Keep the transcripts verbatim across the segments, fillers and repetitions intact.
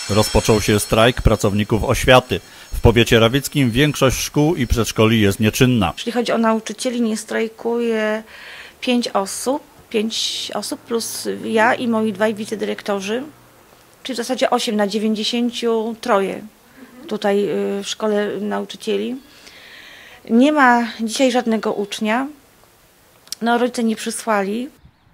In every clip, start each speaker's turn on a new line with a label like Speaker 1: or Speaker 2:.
Speaker 1: Rozpoczął się strajk pracowników oświaty. W powiecie rawickim większość szkół i przedszkoli jest nieczynna.
Speaker 2: Jeśli chodzi o nauczycieli, nie strajkuje pięć osób, pięć osób plus ja i moi dwaj wicedyrektorzy, czyli w zasadzie osiem na dziewięćdziesięciu troje tutaj w szkole nauczycieli. Nie ma dzisiaj żadnego ucznia, no rodzice nie przysłali.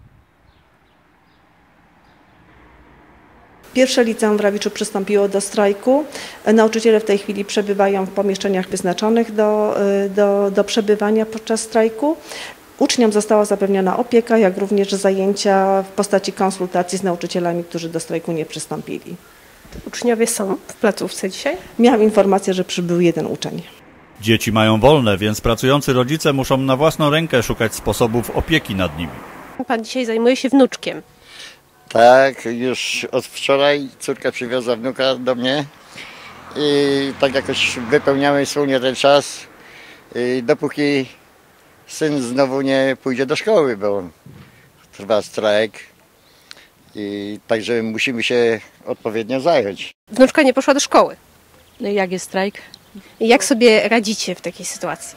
Speaker 3: Pierwsze liceum w Rawiczu przystąpiło do strajku. Nauczyciele w tej chwili przebywają w pomieszczeniach wyznaczonych do, do, do przebywania podczas strajku. Uczniom została zapewniona opieka, jak również zajęcia w postaci konsultacji z nauczycielami, którzy do strajku nie przystąpili.
Speaker 4: Uczniowie są w placówce dzisiaj?
Speaker 3: Miałam informację, że przybył jeden uczeń.
Speaker 1: Dzieci mają wolne, więc pracujący rodzice muszą na własną rękę szukać sposobów opieki nad nimi.
Speaker 4: Pan dzisiaj zajmuje się wnuczkiem.
Speaker 5: Tak, już od wczoraj córka przywiozła wnuka do mnie i tak jakoś wypełniamy wspólnie ten czas, dopóki syn znowu nie pójdzie do szkoły, bo trwa strajk i także musimy się odpowiednio zająć.
Speaker 4: Wnuczka nie poszła do szkoły.
Speaker 6: No i jak jest strajk?
Speaker 4: I jak sobie radzicie w takiej sytuacji?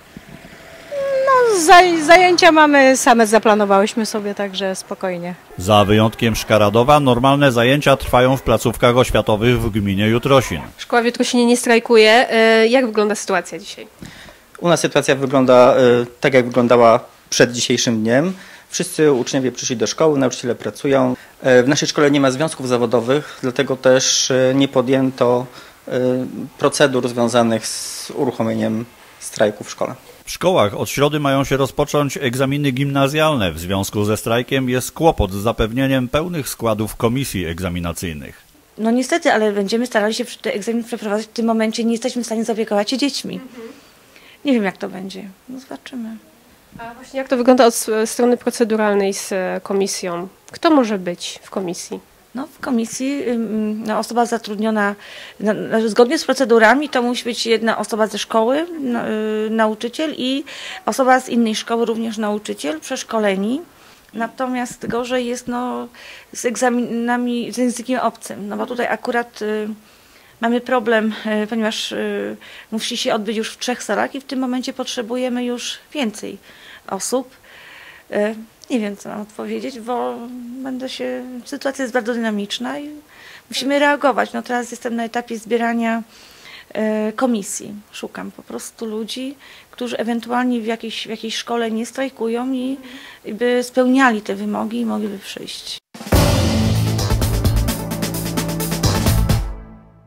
Speaker 6: No, zaj zajęcia mamy, same zaplanowałyśmy sobie, także spokojnie.
Speaker 1: Za wyjątkiem Szkaradowa normalne zajęcia trwają w placówkach oświatowych w gminie Jutrosin.
Speaker 4: Szkoła w Jutrosinie nie strajkuje. Jak wygląda sytuacja dzisiaj?
Speaker 7: U nas sytuacja wygląda tak, jak wyglądała przed dzisiejszym dniem. Wszyscy uczniowie przyszli do szkoły, nauczyciele pracują. W naszej szkole nie ma związków zawodowych, dlatego też nie podjęto procedur związanych z uruchomieniem strajku w szkole.
Speaker 1: W szkołach od środy mają się rozpocząć egzaminy gimnazjalne. W związku ze strajkiem jest kłopot z zapewnieniem pełnych składów komisji egzaminacyjnych.
Speaker 2: No niestety, ale będziemy starali się te egzaminy przeprowadzać. W tym momencie nie jesteśmy w stanie zaopiekować się dziećmi. Nie wiem, jak to będzie. No zobaczymy.
Speaker 4: A właśnie jak to wygląda od strony proceduralnej z komisją? Kto może być w komisji?
Speaker 2: No, w komisji no, osoba zatrudniona no, zgodnie z procedurami to musi być jedna osoba ze szkoły, no, y, nauczyciel i osoba z innej szkoły, również nauczyciel, przeszkoleni. Natomiast gorzej jest no, z egzaminami z językiem obcym, no bo tutaj akurat y, mamy problem, y, ponieważ y, musi się odbyć już w trzech salach i w tym momencie potrzebujemy już więcej osób. Y, Nie wiem, co mam odpowiedzieć, bo będę się, sytuacja jest bardzo dynamiczna i musimy reagować. No teraz jestem na etapie zbierania e, komisji. Szukam po prostu ludzi, którzy ewentualnie w jakiejś, w jakiejś szkole nie strajkują i, i by spełniali te wymogi i mogliby przyjść.